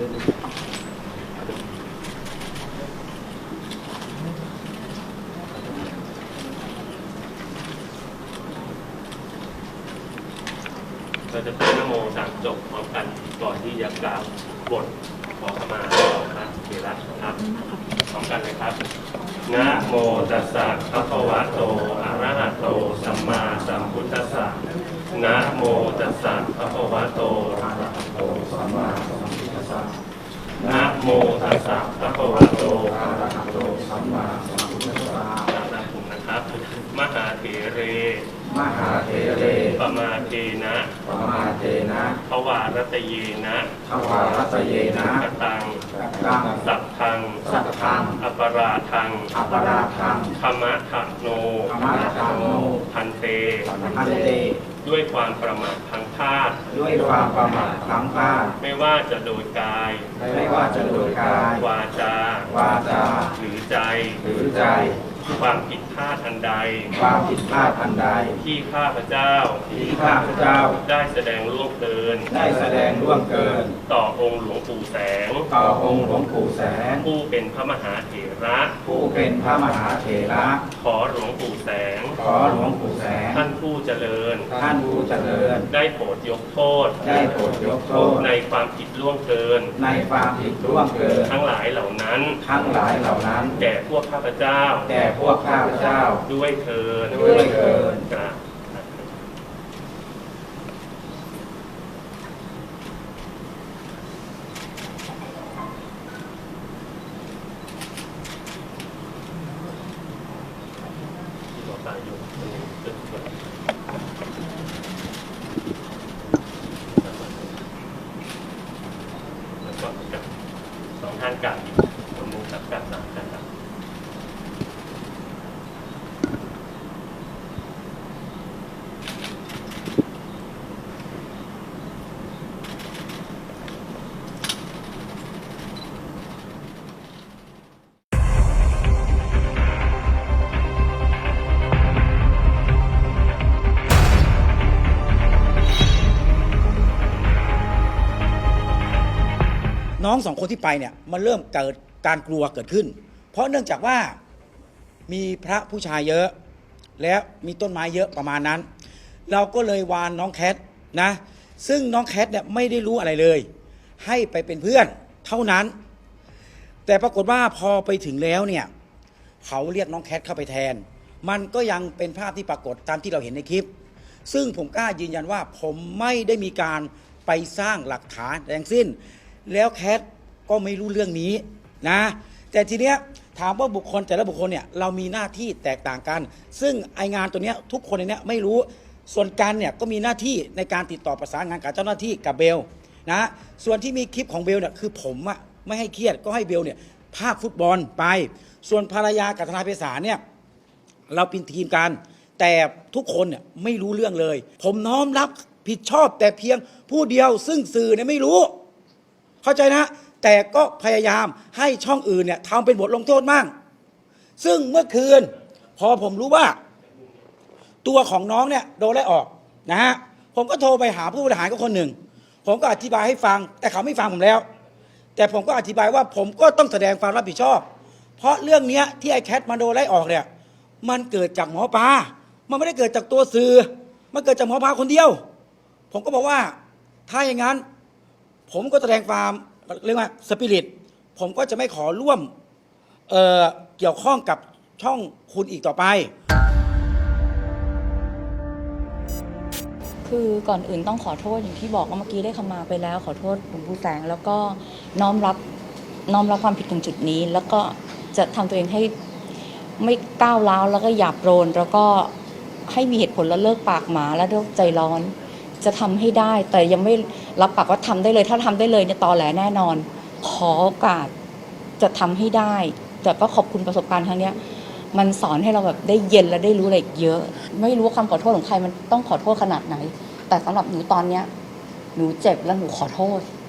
เราจะพูดนะโมสามจบพร้อมกันก่อนที่จะกล่าวบทขอขมาพระเถระครับพร้อมกันเลยครับนะโมตัสสะภะคะวะโตอะระหะโตสัมมาสัมพุทธัสสะนะโมตัสสะภะคะวะโตอะระหะโตสัมมาสัมพุทธัสสะนะโมตัสสะภะคะวะโตอะระหะโตสัมมาสัมพุทธัสสะนะครับมหาเถเรมหาเถเรปมาเทนะปมาเทนะภวารตเยนะภวารตเยนะกตังกังสัพพังสัพพังอปราทังอปราทังธรรมะทะโนธรรมะทะโนพันเตพันเตด้วยความประมาทพลั้งพลาดด้วยความประมาทพลั้งพลาดไม่ว่าจะโดยกายไม่ว่าจะโดยกายวาจาหรือใจความผิดพลาดอันใดที่ข้าพเจ้าได้แสดงล่วงเกินต่อองค์หลวงปู่แสงผู้เป็นพระมหาเถระขอหลวงปู่แสงท่านผู้เจริญได้โปรดยกโทษในความผิดล่วงเกินทั้งหลายเหล่านั้นแก่พวกข้าพเจ้าด้วยเถิดกราบแล้วก็กับสองท่านกับสมมุติกับสามท่านกับน้องสองคนที่ไปเนี่ยมันเริ่มเกิดการกลัวเกิดขึ้นเพราะเนื่องจากว่ามีพระผู้ชายเยอะและมีต้นไม้เยอะประมาณนั้นเราก็เลยวานน้องแคทนะซึ่งน้องแคทเนี่ยไม่ได้รู้อะไรเลยให้ไปเป็นเพื่อนเท่านั้นแต่ปรากฏว่าพอไปถึงแล้วเนี่ยเขาเรียกน้องแคทเข้าไปแทนมันก็ยังเป็นภาพที่ปรากฏตามที่เราเห็นในคลิปซึ่งผมกล้ายืนยันว่าผมไม่ได้มีการไปสร้างหลักฐานใดทั้งสิ้นแล้วแคทก็ไม่รู้เรื่องนี้นะแต่ทีเนี้ยถามว่าบุคคลแต่ละบุคคลเนี่ยเรามีหน้าที่แตกต่างกันซึ่งไองานตัวเนี้ยทุกคนในเนี้ยไม่รู้ส่วนกันเนี่ยก็มีหน้าที่ในการติดต่อประสานงานกับเจ้าหน้าที่กับเบลนะส่วนที่มีคลิปของเบลเนี่ยคือผมอะไม่ให้เครียดก็ให้เบลเนี่ยภาคฟุตบอลไปส่วนภรรยากับทนายไพศาลเนี่ยเราเป็นทีมกันแต่ทุกคนเนี่ยไม่รู้เรื่องเลยผมน้อมรับผิดชอบแต่เพียงผู้เดียวซึ่งสื่อเนี่ยไม่รู้เข้าใจนะแต่ก็พยายามให้ช่องอื่นเนี่ยทำเป็นบทลงโทษมั่งซึ่งเมื่อคืนพอผมรู้ว่าตัวของน้องเนี่ยโดนไล่ออกนะฮะผมก็โทรไปหาผู้บริหารก็คนหนึ่งผมก็อธิบายให้ฟังแต่เขาไม่ฟังผมแล้วแต่ผมก็อธิบายว่าผมก็ต้องแสดงความรับผิดชอบเพราะเรื่องนี้ที่ไอ้แคทมาโดนไล่ออกเนี่ยมันเกิดจากหมอปลามันไม่ได้เกิดจากตัวสื่อมันเกิดจากหมอปลาคนเดียวผมก็บอกว่าถ้าอย่างนั้นผมก็แสดงความเรียกว่าสปิริตผมก็จะไม่ขอร่วมเกี่ยวข้องกับช่องคุณอีกต่อไปคือก่อนอื่นต้องขอโทษอย่างที่บอกว่าเมื่อกี้ได้ขมาไปแล้วขอโทษหลวงปู่แสงแล้วก็น้อมรับความผิดตรงจุดนี้แล้วก็จะทำตัวเองให้ไม่ก้าวร้าวแล้วก็หยาบโลนแล้วก็ให้มีเหตุผลแล้วเลิกปากหมาและเลิกใจร้อนจะทำให้ได้แต่ยังไม่รับปากว่าทำได้เลยถ้าทำได้เลยเนี่ยตอแหลแน่นอนขอโอกาสจะทำให้ได้แต่ก็ขอบคุณประสบการณ์ครั้งนี้มันสอนให้เราแบบได้เย็นและได้รู้อะไรเยอะไม่รู้ว่าคำขอโทษของใครมันต้องขอโทษขนาดไหนแต่สำหรับหนูตอนเนี้ยหนูเจ็บและหนูขอโทษ